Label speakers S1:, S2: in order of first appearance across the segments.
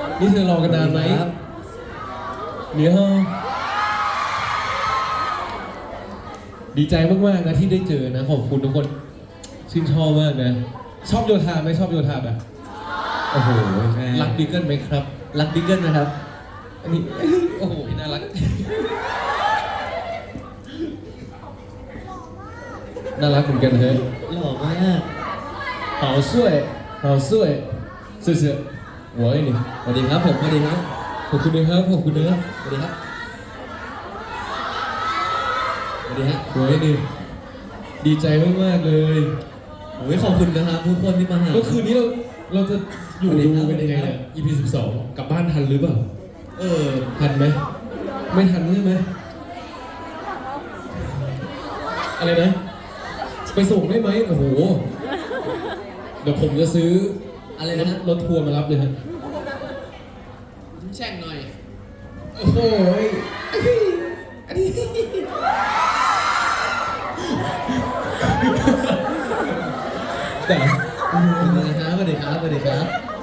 S1: นี่เธอรอกันนานไหมเดี๋ยวดีใจมากๆนะที่ได้เจอนะขอบคุณทุกคนชื่นชอบมากนะชอบโยธาไหมชอบโยธาแบบโอ้โหรักบิ๊กเกิลไหมครับ
S2: รักบิ๊กเกิลนะครับ
S1: อันนี้โอ้โหพี่น่ารักน่ารักเหมือนกันเฮ้ย
S2: หล่อมาก
S1: 好帅好帅谢谢我爱你
S2: สวัสดีครับผมสวัสดีครับ
S1: ขอบคุณนะครับขอบคุณนะครับ
S2: สวัสดีครับสวัสดีฮะ
S1: 我爱你ดีใจมากๆเลย
S2: โอ้ยขอบคุณนะครับทุกคนที่มาหา
S1: เมื่อคืนนี้เราจะอยู่ดูกันยังไงเนี่ย EP 12กลับบ้านทันหรือเปล่าทันไหมไม่ทันใช่ไหมอะไรนะไปส่งได้ไหมโอ้โหเดี๋ยวผมจะซื้อ
S2: อะไรนะฮะ
S1: รถทัวร์มารับเลยฮะ
S2: แช่งหน่อย
S1: โอ้โหอันนี้แต่
S2: สวัสดีครับสวัสดีครับสวัสดีครับ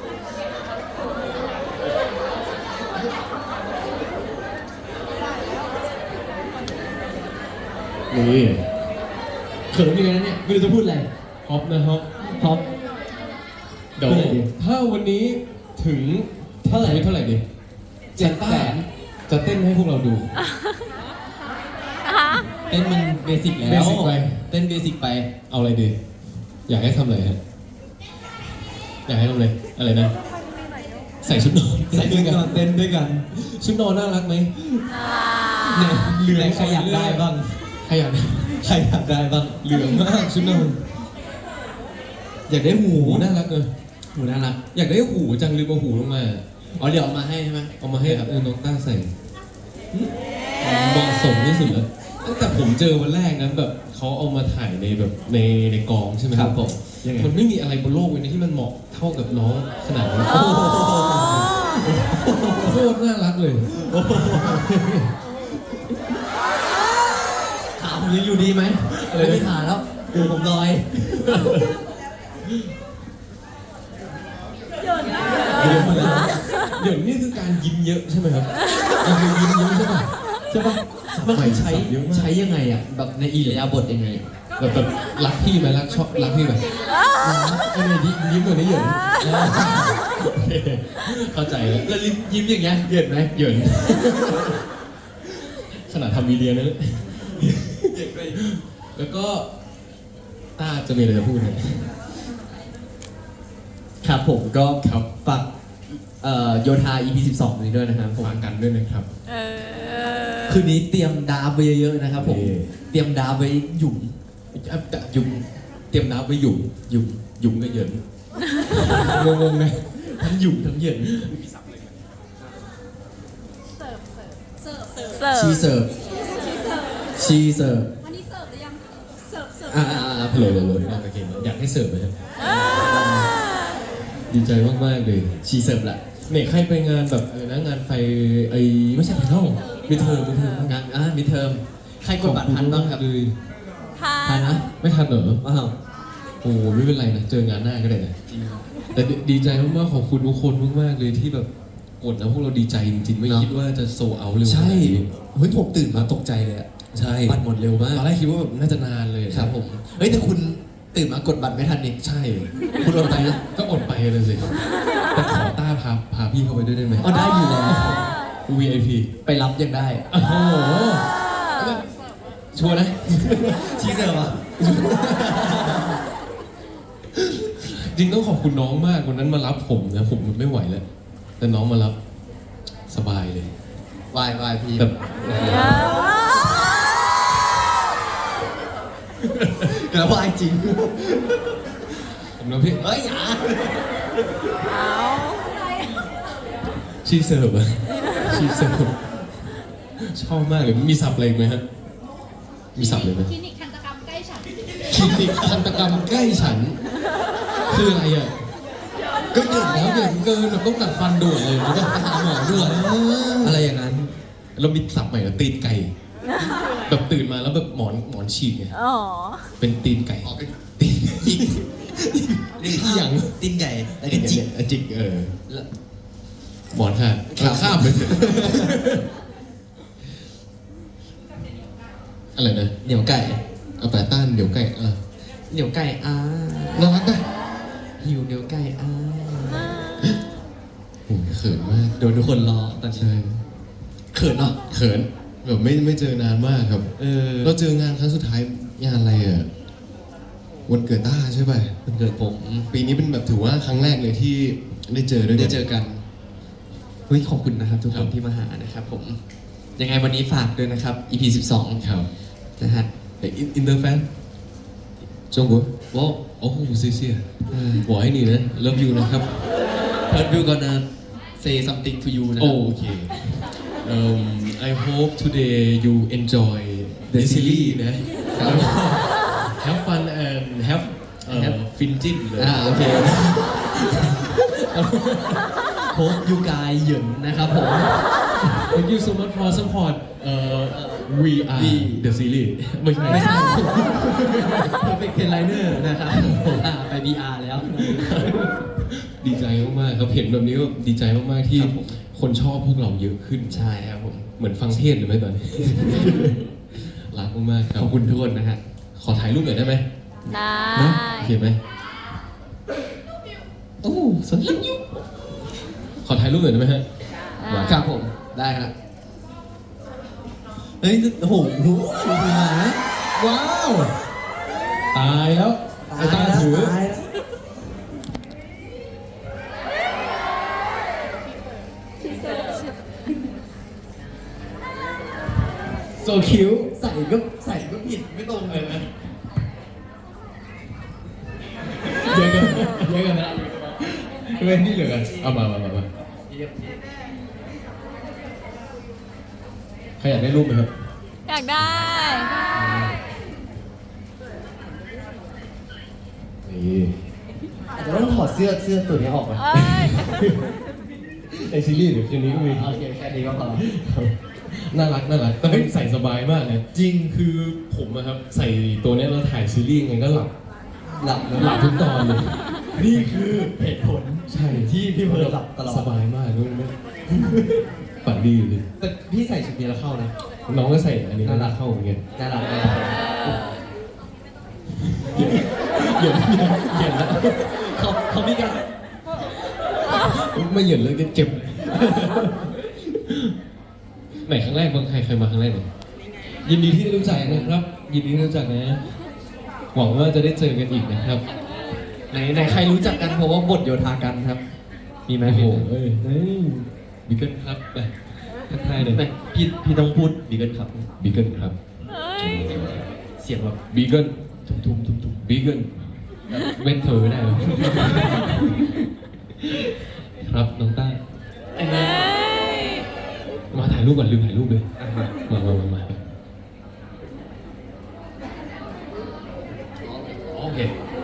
S1: นี่
S2: เขินยังไงนะเนี่ยไม่รู้จะพูดอะไร
S1: ฮอปนะฮอป
S2: ฮอป
S1: เดี๋ยว
S2: เท่าไหร่ดี
S1: ถ้าวันนี้ถึงเท่าไหร่ดี
S2: 700,000
S1: จะเต้นให้พวกเราดู
S2: เต้นมันเบสิกแล้ว
S1: เบสิกไป
S2: เต้นเบสิกไป
S1: เอาอะไรดี อยากให้ทำอะไรฮะอยากให้ทำอะไรอะไรนะ ใส่ชุดนอน
S2: ใส่ด้วยกันเต้นด้วยกัน
S1: ชุดนอนน่ารักไหม
S2: เนี่ยเหลืองใครอยากได้บ้าง
S1: ใครอยากได้
S2: ใครอยากได้บ้าง
S1: เหลืองมากชุดนอน
S2: อยากได้หู
S1: หูน่ารักเลย
S2: หูน่ารัก
S1: อยากได้หูจังลืมเอาหูลงมา
S2: อ๋อเดี๋ยวเอามาให้ใช่ไหม
S1: เอามาให้น้องต้าใส่เหมาะสมที่สุดแล้วตั้งแต่ผมเจอวันแรกนะแบบเขาเอามาถ่ายในแบบในกองใช่ไหม
S2: ครับผมยังไง
S1: มันไม่มีอะไรบนโลกเลยนะที่มันเหมาะเท่ากับน้องขนาดนี้โคตรน่ารักเลย
S2: ขาผมยังอยู่ดีไหมไม่มีขาแล้วดูผมลอย
S1: เดี๋ยวมาแล้วเดี๋ยวนี่คือการยิ้มเยอะใช่ไหมครับมันคือยิ้มเยอะใช่ป่ะใช่ป่ะ
S2: มันคือใช้
S1: เยอะมาก
S2: ใช้ยังไงอ่ะแบบในอิริยาบถยังไง
S1: แบบรักพี่ไหมรักชอบรักพี่ไหมไม่ได้ยิ้มตัวนี้เหยินโอเคเข้าใจแล้ว
S2: แล้วยิ้มอย่างเงี้ยเหยินไหม
S1: เหยินขนาดทำวีเดียนะแล้วก็ต้าจะมีอะไรจะพูดไหม
S2: ครับผมก็
S1: ครับ
S2: ฝากโยธา EP 12 นี้ด้วยนะครับผม
S1: ฝากกันด้วยนะครับ
S2: คืนนี้เตรียมดาร์ฟไว้เยอะๆนะครับผม
S1: นี่
S2: เตรียมดาร์ฟไว้หยุ่ม
S1: หยุ่มเตรียมน้ำไว้หยุ่มหยุ่มก็เหยินงงๆนะ
S2: ทั้งหยุ่มทั้งเหยิน ชีเสิร์ฟชีเสิร์ฟ
S3: อันนี้เสิร์ฟหรือยังเสิร์ฟ
S1: เลยโอเคอยากให้เสิร์ฟไหมครับดีใจมากๆเลย
S2: ชีเสิร์ฟแหละ
S1: เนี่ยใครไปงานแบบนะงานไฟไอ้ไม่ใช่ไฟนอลมิเทอม
S2: งานมิดเทอมใครกดบัตรทันบ้างครับ
S1: เลย
S2: ทันนะ
S1: ไม่ทันเหรอ
S2: ว้าว
S1: โอ้ไม่เป็นไรนะเจองานหน้าก็ได้นะแต่ดีใจมากๆขอบคุณทุกคนมากๆเลยที่แบบกดแล้วพวกเราดีใจจริงๆไม่คิดว่าจะโซเอาเร็ว
S2: ใช่
S1: ขนาดนี้
S2: เฮ้ยผมตื่นมาตกใจเลยอะ
S1: ใช่
S2: บัตรหมดเร็วมาก
S1: ตอนแรกคิดว่าแบบน่าจะนานเลย
S2: ครับผมเฮ้ยแต่คุณตื่นมากดบัตรไม่ทันนี่
S1: ใช่
S2: คุณอดไปนะ
S1: ก็อดไปเลยสิแต่ขอต้าพาพี่เข้าไปด้วยได้ไหม
S2: อ๋อได้อยู่แล้ว
S1: VIP
S2: ไปรับยังได้
S1: โอ้โหชัวร์นะ
S2: ชีเสิร์ฟอ่ะ
S1: จริงต้องขอบคุณน้องมากวันนั้นมารับผมนะผมไม่ไหวแล้วแต่น้องมารับสบายเลย
S2: วายพี่
S1: แบบ
S2: แล้ววายจริง
S1: ผมนะพี่
S2: เฮ้ยอย่า
S1: ชีเสิร์ฟอะชีเสิร์ฟชอบมากเลยมีสับอะไรอีกไหมฮะมีสับเลยไหม
S3: คลินิกทันตกรรมใกล้ฉัน
S1: คลินิกทันตกรรมใกล้ฉันคืออะไรอ่ะก็เหยินแล้วเหยินเกินแบบต้องตัดฟันด่วนเลยแล้วก็ไปหาหมอด่วน
S2: อะไรอย่างนั้น
S1: เรามีสับใหม่กับตีนไก่แบบตื่นมาแล้วแบบหมอนฉีกไง
S4: อ๋อ
S1: เป็นตีนไก่
S2: อ๋อเป็น
S1: ตีน
S2: จิก
S1: ที่อย่าง
S2: ตีนไก่แล้ว
S1: จิ
S2: ก็
S1: ก
S2: จิก
S1: จิก
S2: แล้ว
S1: หมอนค่ะข้ามไปเถอะอะไรนะ
S2: เหนียวไก่
S1: เอาแต่ต้านเดี๋ยวไก่
S2: เหนียวไก่
S1: น่ารักนะ
S2: หิวเหนียวไก่
S1: โอ้ยเขินมาก
S2: โดนทุกคนรอตอนนี้
S1: ใช่
S2: เขินเนาะ
S1: เขินแบบไม่เจอนานมากครับ เราเจองานครั้งสุดท้ายงานอะไรอ่ะวันเกิดต้าใช่ป่ะ
S2: วันเกิดผม
S1: ปีนี้เป็นแบบถือว่าครั้งแรกเลยที่ได้เจอด้วย
S2: ได้เจอกันเฮ้ยขอบคุณนะครับทุก
S1: ค
S2: ค
S1: รั
S2: น
S1: บ
S2: ที่มาหานะครับผมยังไงวันนี้ฝากด้วยนะครับ EP 12
S1: ครับ
S2: นะฮะ
S1: อินเตอร์แฟนจงกุว้าวโอ้โหเซี่ยๆบอกให้นี่นะ love you นะครับ
S2: But we're gonna say something to you นะครับ
S1: โอเค I hope today you enjoy the series นะ have fun and have finjin เลย
S2: โอเค Hope you guys เหยินนะครับผม
S1: Thank you so much for support we are the series ไม่ใช่
S2: Perfect Liner นะครับไป VR แล้ว
S1: ดีใจมากๆครับเห็นแบบนี้ก็ดีใจมากๆที่
S2: ครับผม
S1: คนชอบพวกเราเยอะขึ้น
S2: ใช่ครับผม
S1: เหมือนฟังเทศน์หรือไม่ตอนนี้ รักมากๆครับ
S2: ขอบคุณทุกคนนะฮะ
S1: ขอถ่ายรูปหน่อยได้ไหม
S3: ได้
S1: นะโอเคไหม
S2: โอ้สนใจ
S1: ขอถ่ายรูปหน่อยได้ไหมฮะ
S2: ครับผมได้ครับเฮ้ยโอ้โหดูมานะ
S1: ว้าว ตายแล้วไอ้ตาถือ
S2: ตายแล้ว
S1: โซคิว
S2: ใส่ก็ผิดไม่ตรงเลยนะ
S1: เยอะกันนะเว้นที่เหลือกันเอามาใครอยากได้รูปไหมครับ
S3: อยากได้
S1: นี่
S2: อาจจะต้องถอดเสื้อตัวนี้ออกนะ
S3: เอ้ย
S1: ในซีรีส์เดี๋ยวคืนนี้ก็มี
S2: โอเคแค่นี้ก็พอ
S1: น่ารักแต่ไม่ใส่สบายมากนะจริงคือผมอะครับใส่ตัวเนี้ยเราถ่ายซีรีส์ไงก็หลับ
S2: หลับนะ
S1: หลับทุกตอนเลย นี่คือเหตุผล
S2: ใช่ที่พี่เพิร์ลหลับตลอด
S1: สบายมากด้วยนะฝันดีอยู่ดิ
S2: แต่พี่ใส่ชุดนี้แล้วเข้านะ
S1: น้องก็ใส่อันนี้น่ารักเข้าเหมือนกัน
S2: น่ารัก
S1: เหยียดแล้ว
S2: เขามีการ
S1: ไม่เหยียดเลยเจ็บไหนครั้งแรกบ้างใครมาครั้งแรกเนี่ยยินดีที่ได้รู้จักนะครับ ยินดีที่ได้รู้จักนะหวังว่าจะได้เจอกันอีกนะครับ
S2: ไหนใครรู้จักกันเพราะว่าบทโยธากันครับ มีไหม
S1: โอ้โห
S2: พี่
S1: บิเกิลครับไปทักทายหน่อย
S2: ไม่พี่ต้องพูดบีเกิลครับ
S1: บิเกิลครับ
S3: เฮ้ย
S2: เสียงแบบ
S1: บิเกิลทุมบิเกิลเว้นเธอไม่ได้หรอครับน้องต้า
S3: เฮ้ย
S1: มาถ่ายรูปก่อนลืมถ่ายรูปเลยมาโอเค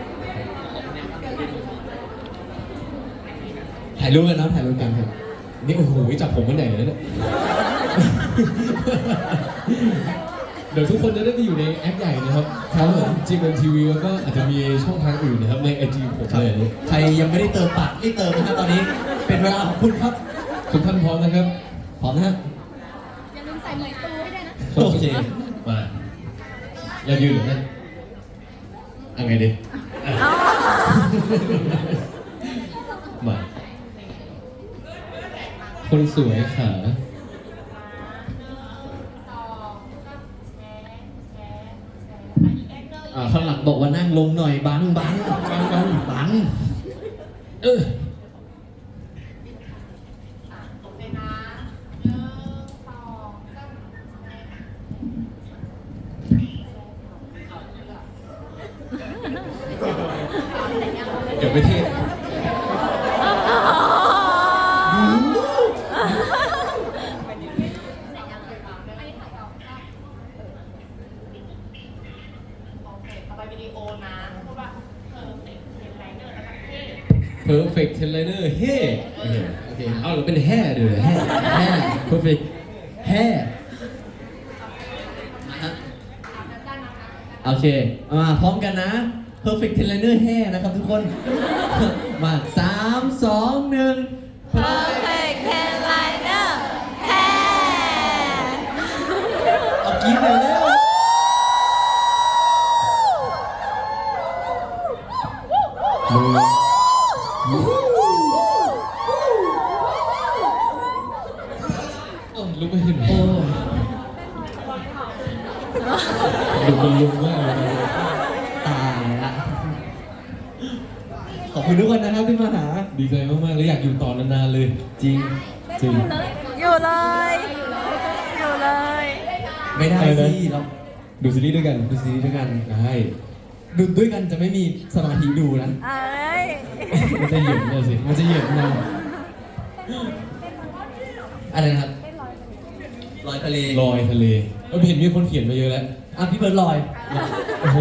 S2: ถ่ายรูปกันนะถ่ายรูปกันครับ
S1: นี่โอ้โหจับผมมันใหญ่เลยเนี่ย เดี๋ยวทุกคนจะได้ไปอยู่ในแอปใหญ่นะครับทั้ง GMMTV แล้วก็อาจจะมีช่องทางอื่นนะครับใน IG ผมเลย
S2: ใครยังไม่ได้เติมปากรีบเติมนะครับตอนนี้เป็นเวลาของคุณครับ
S1: ทุกท่านพร้อมนะครับ
S2: พร้อมนะฮะ
S3: อย่าลืมใส่เหมยตูให้ด้วยนะ
S2: โอเค
S1: มาอย่ายืนหรือนั่นเอาไงดีอ่ะมาคนสวยขา
S2: ข้างหลังบอกว่านั่งลงหน่อยบัง
S1: เออเดี๋ยวไปเทศPerfect Liner เฮ้โอเคเอาเราเป็นแห่เลยแห่
S2: perfect แห่โอเคมาพร้อมกันนะ perfect liner แห่นะครับทุกคน มา3 2 1
S3: Perfect
S1: ไม่เห็น
S2: โอ้
S1: ดูเป็นลุงมากเลยนะ
S2: ตายละขอบคุณทุกคนนะครับที่มาหา
S1: ดีใจมากๆเลยอยากอยู่ต่อนานๆเลย
S2: จริง
S1: จริง
S3: อยู่เลย อยู่เลย
S2: ไม่ได้
S1: อะไร
S2: สิ
S1: นะ
S2: เรา
S1: ดูซีรีส์ด้วยกัน
S2: ดูซีรีส์ด้วยกัน
S1: ได้
S2: ดูด้วยกันจะไม่มีสมาธิดูนะ
S3: เอ้ย
S1: มันจะเหยินเลยสิ
S2: มันจะเหยียบนะอะไรนะครับลอยทะเล
S1: ลอยทะเลเราเห็นมีคนเขียนมาเยอะแล้ว
S2: อ่ะพี่เบิร์ดลอย
S1: โอ้โห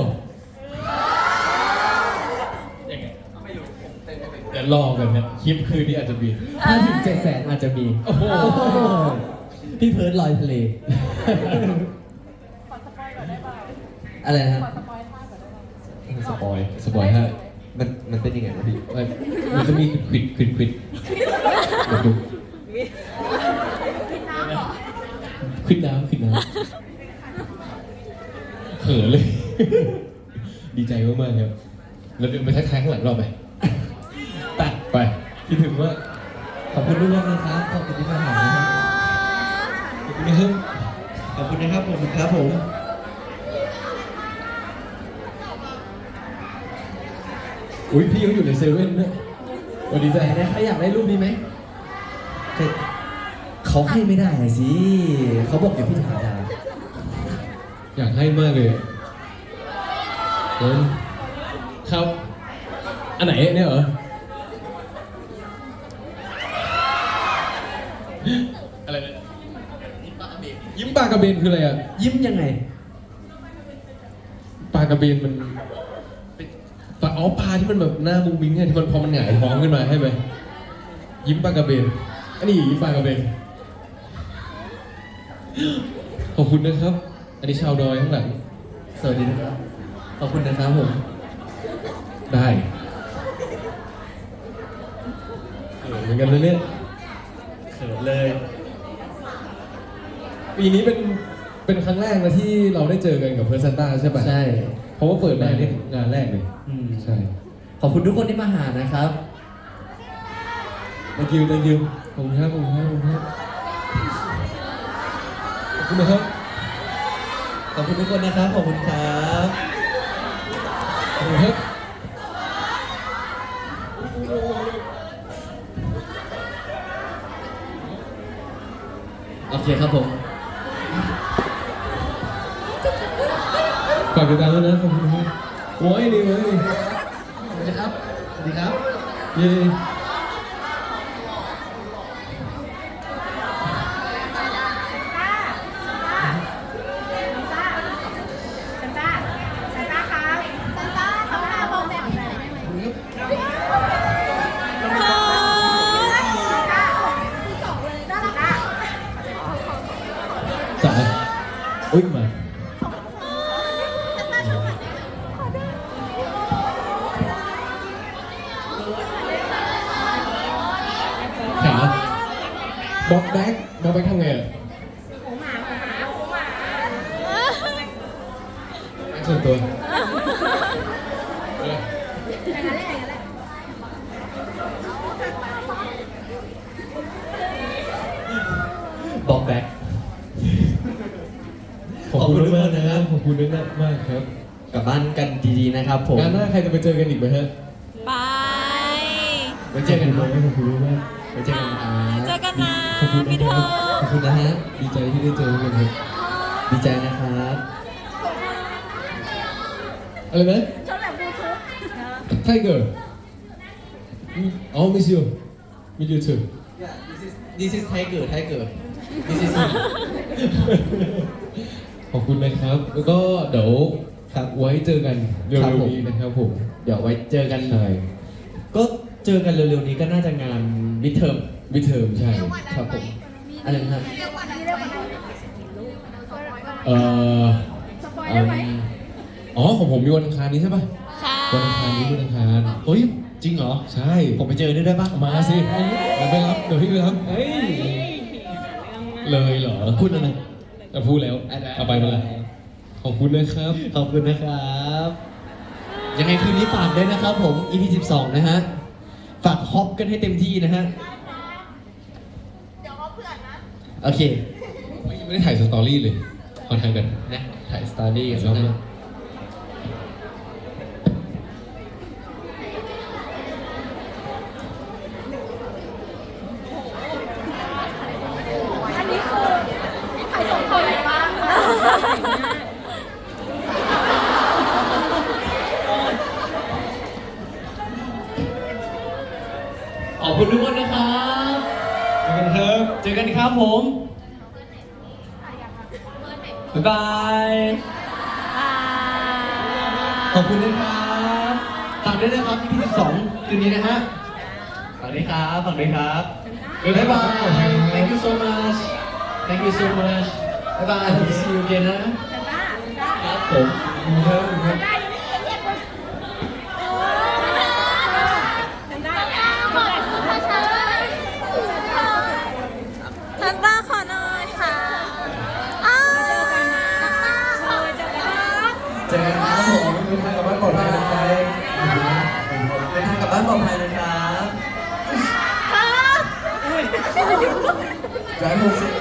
S1: เดี๋ยวรอกันนะคลิปคืนนี้อาจจะมี
S2: ถ้าถึง700,000อาจจะมี
S1: โอ้โห
S2: พี่เพิร์ดลอยทะเล อะไรนะครับ
S1: สปอยสปอยให้
S2: มันเป็นยังไงวะพี่
S1: มันจะมีควิดควิดควิดเดี๋ยวดูควิดน้ำควิดน้ำเขินเลย ดีใจมากๆครับเราเดินไปทักทายข้างหลังเราไปไปคิดถึงว่า
S2: ขอบคุณทุกคนนะครับ ขอบคุณที่มาหานะครับ
S1: ขอบคุณนะครับ
S2: ขอบคุณนะครับผมครับผม
S1: อุ้ยพี่เขาอยู่ในเซเว่นด้วยวันดีใจ
S2: แต่ใครอยากได้รูปนี้ไหมเขาให้ไม่ได้สิ เขาบอกอย่าพี่ถามดา
S1: อยากให้มากเลยเฮ้ยครับ อันไหนเนี่ยเหรอ อะไรเนี่ยยิ้มปลากระเบนคืออะไรอ่ะ
S2: ยิ้มยังไง
S1: ปลากระเบนมันปลาอ๋อปลาที่มันแบบหน้ามุ้งมิ้งไงที่มันพอมันหงายท้องขึ้นมาให้ไหมยิ้มปลากระเบนอันนี้ยิ้มปลากระเบนขอบคุณนะครับ อันนี้ชาวดอยข้างหลัง
S2: สวัสดีนะครับ ขอบคุณนะครับผม
S1: ได้เหมือนกันเลยเนี่ย
S2: เขินเลย
S1: ปีนี้เป็นครั้งแรกนะที่เราได้เจอกันกับเพื่อนซันต้าใช่ปะ
S2: ใช่
S1: เพราะว่าเปิดมาเนี่ยงานแรกเลย
S2: อืม
S1: ใช่
S2: ขอบคุณทุกคนที่มาหานะครับ
S1: thank you thank you ขอบคุณครับขอบคุณครับขอบคุณครับขอบคุณนะครับ
S2: ขอบคุณทุกคนนะครับ ขอบคุณครับ
S1: ขอบคุณครับ
S2: โอเคครับผม
S1: ฝากติดตามด้วยนะขอบคุณครับโอ้ยดีเลย
S2: สวัสดีครับ สวัสดีครับ
S1: เย้จ๋าอุ้ยมาขาบ็อกแบ็กทำไงอ่ะแบ็คส่วนตัว
S2: บอกแบ็ค
S1: ขอบคุณมากนะครับขอบคุณมากมากครับ
S2: กลับบ้านกันดีๆนะครับผม
S1: งานหน้าใครจะไปเจอกันอีกไหมฮะ
S3: ไป
S2: ไว้เจอกัน
S1: ข
S2: นะ
S1: อบคุณมาก
S2: ไว้เจอกันนะ
S3: เจอกันนะ
S1: ขอบคุณ
S3: พี่เธอ
S2: ขอบคุณนะฮะ
S1: ดีใจที่ได้เจอกันครับ
S2: ดีใจนะครับ
S1: อะไรนะ
S3: ชอบแบบบลูทูธ
S1: ไทเกอร์อ๋อ miss you miss you too
S2: This is Tiger Tiger This is
S1: ขอบคุณนะครับ แล้วก็เดี๋ยว
S2: ครับ
S1: ไว้เจอกันเร็
S2: ครับ
S1: ว
S2: ผม
S1: ๆนี้นะครับผม
S2: เดี๋ยวไว้เจอกัน
S1: ใช่
S2: ก็เจอกันเร็วๆนี้ก็น่าจะงานมิดเทอม
S1: มิเทอมใช่
S2: ครับผม อะไรนะครับ
S1: เอ่อ
S3: สปอยได้ไหม
S1: อ๋อของผมมีวันอังคารนี้ใช่ป่ะ
S3: ใช่
S1: วันอังคารนี้วันอังคาร
S2: เฮ้ย จริงเหรอ
S1: ใช่
S2: ผมไปเจอด้วยได้ปะ
S1: มาสิเดี๋ยวไปรับเดี๋ยวพี่ไปรับ
S2: เฮ้ย
S1: เลยเหรอ
S2: พูดอะไร
S1: พูดแล้วเอาไปมาละขอบคุณนะครับ
S2: ขอบคุณนะครับ ยังไงคืนนี้ฝากด้วยนะครับผม EP 12 นะฮะ ฝากฮอปกันให้เต็มที่นะฮะ
S3: เดี๋ยวเขาเผื่อนะ
S2: โอเค
S1: ไม่ได้ถ่ายสตอรี่เลยขอถ่ายกัน
S2: นะถ่ายสตอรี่กัน
S1: รอบ
S2: นะ
S1: นึง
S3: อันนี้คือใครส่งคนไหนบ้างคะ
S2: ขอบคุณทุกคนนะครับ
S1: ขอบคุณครับ
S2: เจอกันครับผม บ๊ายบาย ขอบคุณนะครับฝากด้วยนะครับ EP 12คืนนี้นะฮะฝากด้วยครับฝากด้วยครับ บ๊ายบาย thank you so much thank you so much บ๊ายบาย hope to see you again นะ ครับผม
S3: ได้ยังไม่เรียกคนฮันต้าขอหน่อยค่ะอ้าวเจอกันนะเจอกัน
S2: เจอกันครับผมเดินทางกลับบ้านปลอดภัยนะครับเดินทางกลับบ้านปลอดภัยนะครับ
S3: ครับ
S2: Drive home safe